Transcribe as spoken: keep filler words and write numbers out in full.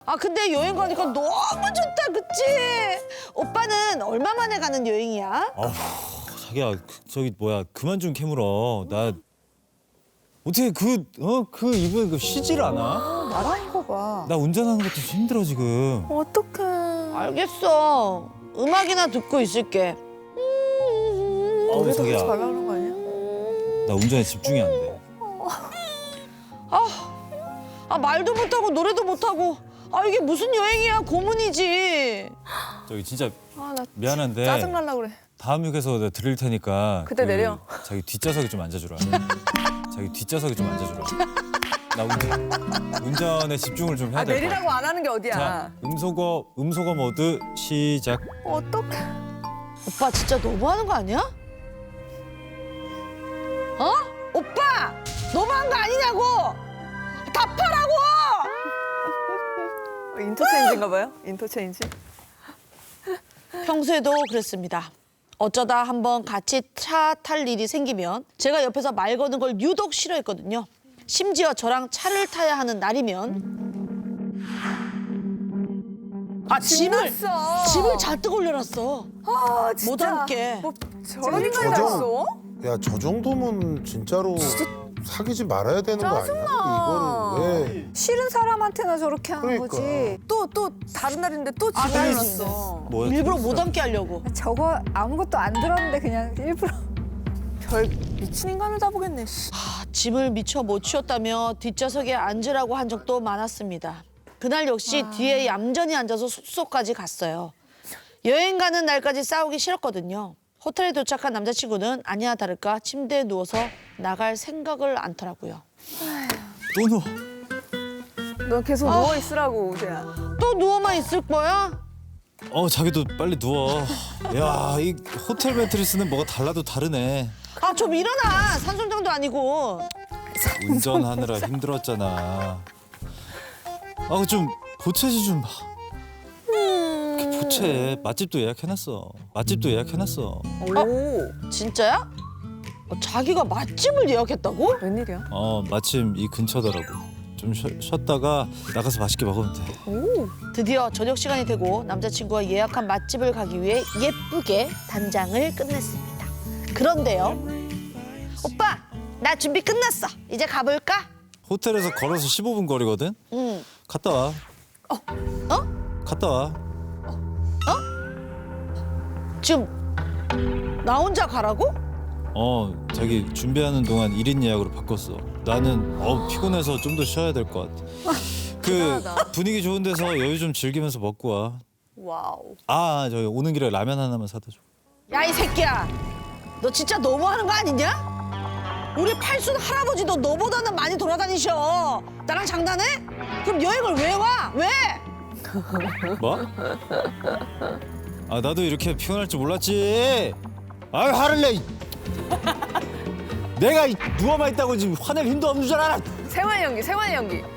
아 근데 여행 가니까 너무 좋다, 그치? 오빠는 얼마 만에 가는 여행이야? 아우, 자기야, 그, 저기 뭐야, 그만 좀 캐물어. 나 어떻게 그, 어, 그 이번에 그 쉬질 않아? 말하는 거 봐. 나 운전하는 것도 힘들어 지금. 어떡해. 알겠어. 음악이나 듣고 있을게. 아우, 노래도 자기야, 하지 말라는 거 아니야? 나 운전에 집중이 안 돼. 아 말도 못하고 노래도 못하고. 아 이게 무슨 여행이야, 고문이지. 저기 진짜 아, 나 미안한데 짜증 날라 그래. 다음 역에서 내가 들릴 테니까 그때 내려. 자기 뒷좌석에 좀 앉아주라. 자기 뒷좌석에 좀 앉아주라. 나 운전, 운전에 집중을 좀 해야 아, 될 것 같아. 내리라고 안 하는 게 어디야. 자, 음소거 음소거 모드 시작. 어떡해. 오빠 진짜 너무하는 거 아니야? 어? 오빠! 너무한 거 아니냐고! 답하라고! 인터체인지인가 봐요? 인터체인지? 평소에도 그랬습니다. 어쩌다 한번 같이 차 탈 일이 생기면 제가 옆에서 말 거는 걸 유독 싫어했거든요. 심지어 저랑 차를 타야 하는 날이면 아 짐을 신났어. 짐을 잔뜩 올려놨어. 아, 진짜. 못 함께. 뭐 저런 인간이 다 저정- 있어? 야, 저 정도면 진짜로 사귀지 말아야 되는 거 아니야? 이거를 왜? 싫은 사람한테나 저렇게 하는 그러니까. 거지. 또, 또 다른 날인데 또 아, 짐을 나 올렸어. 뭐야? 일부러 못 함께 하려고. 저거 아무것도 안 들었는데 그냥 일부러. 별 미친 인간을 다 보겠네. 씨. 아, 짐을 미처 못 치웠다며 뒷좌석에 앉으라고 한 적도 많았습니다. 그날 역시 뒤에 얌전히 앉아서 숙소까지 갔어요. 여행 가는 날까지 싸우기 싫었거든요. 호텔에 도착한 남자친구는 아니나 다를까 침대에 누워서 나갈 생각을 않더라고요. 또 누워. 너 계속 아. 누워 있으라고, 우재야. 또 누워만 있을 거야? 어, 자기도 빨리 누워. 야, 이 호텔 매트리스는 뭐가 달라도 다르네. 아, 좀 일어나. 산소장도 아니고. 운전하느라 힘들었잖아. 아, 좀 보채지 좀. 이렇게 보채. 맛집도 예약해놨어. 맛집도 예약해놨어. 오, 진짜야? 어, 자기가 맛집을 예약했다고? 웬일이야? 어, 마침 이 근처더라고. 좀 쉬, 쉬었다가 나가서 맛있게 먹으면 돼. 오, 드디어 저녁 시간이 되고 남자친구가 예약한 맛집을 가기 위해 예쁘게 단장을 끝냈습니다. 그런데요. 오빠, 나 준비 끝났어. 이제 가볼까? 호텔에서 걸어서 십오 분 거리거든? 응. 갔다 와. 어? 어? 갔다 와. 지금 나 혼자 가라고? 어, 자기 준비하는 동안 일 인 예약으로 바꿨어. 나는 어 피곤해서 좀 더 쉬어야 될 것 같아. 그 대단하다. 분위기 좋은 데서 여유 좀 즐기면서 먹고 와. 와우. 아, 저기 오는 길에 라면 하나만 사다 줘. 야, 이 새끼야. 너 진짜 너무하는 거 아니냐? 우리 팔순 할아버지도 너보다는 많이 돌아다니셔. 나랑 장난해? 그럼 여행을 왜 와? 왜? 뭐? 아, 나도 이렇게 피곤할 줄 몰랐지. 아, 화를 내. 이. 내가 이 누워만 있다고 지금 화낼 힘도 없는 줄 알아. 생활 연기, 생활 연기.